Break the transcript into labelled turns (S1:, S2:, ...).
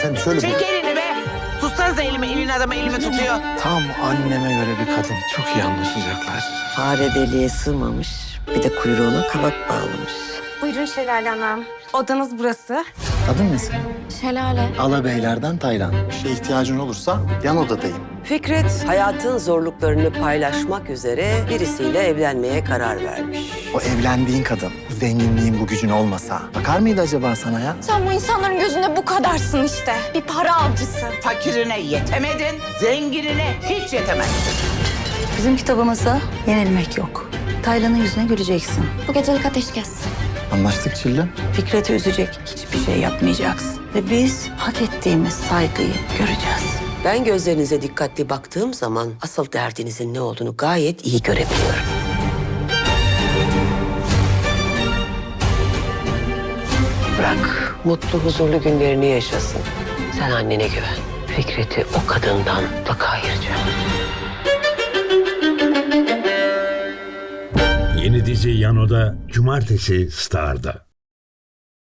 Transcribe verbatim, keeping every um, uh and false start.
S1: hanımefendi şöyle...
S2: Çek elini be. Tutsanıza elimi. Elin adamı elimi tutuyor.
S1: Tam anneme göre bir kadın. Çok iyi anlaşacaklar.
S3: Fare deliğe sığmamış, bir de kuyruğuna kabak bağlamış.
S4: Buyurun Şelale Hanım. Odanız burası.
S1: Adın ne senin?
S4: Şelale.
S1: Alabeylerden Taylan. Bir şeye ihtiyacın olursa yan odadayım.
S3: Fikret, hayatın zorluklarını paylaşmak üzere birisiyle evlenmeye karar vermiş.
S1: O evlendiğin kadın, bu zenginliğin, bu gücün olmasa bakar mıydı acaba sana ya?
S4: Sen bu insanların gözünde bu kadarsın işte. Bir para avcısı.
S2: Fakirine yetemedin, zenginine hiç yetemezsin.
S5: Bizim kitabımızda yenilmek yok. Taylan'ın yüzüne güleceksin.
S4: Bu gecelik ateşkes.
S1: Anlaştık Çilli.
S5: Fikret'i üzecek hiçbir şey yapmayacaksın. Ve biz hak ettiğimiz saygıyı göreceğiz.
S3: Ben gözlerinize dikkatli baktığım zaman asıl derdinizin ne olduğunu gayet iyi görebiliyorum. Bırak, mutlu, huzurlu günlerini yaşasın. Sen annene güven. Fikret'i o kadından mutlaka ayıracağım.
S6: Yeni dizi Yano'da Cumartesi Star'da.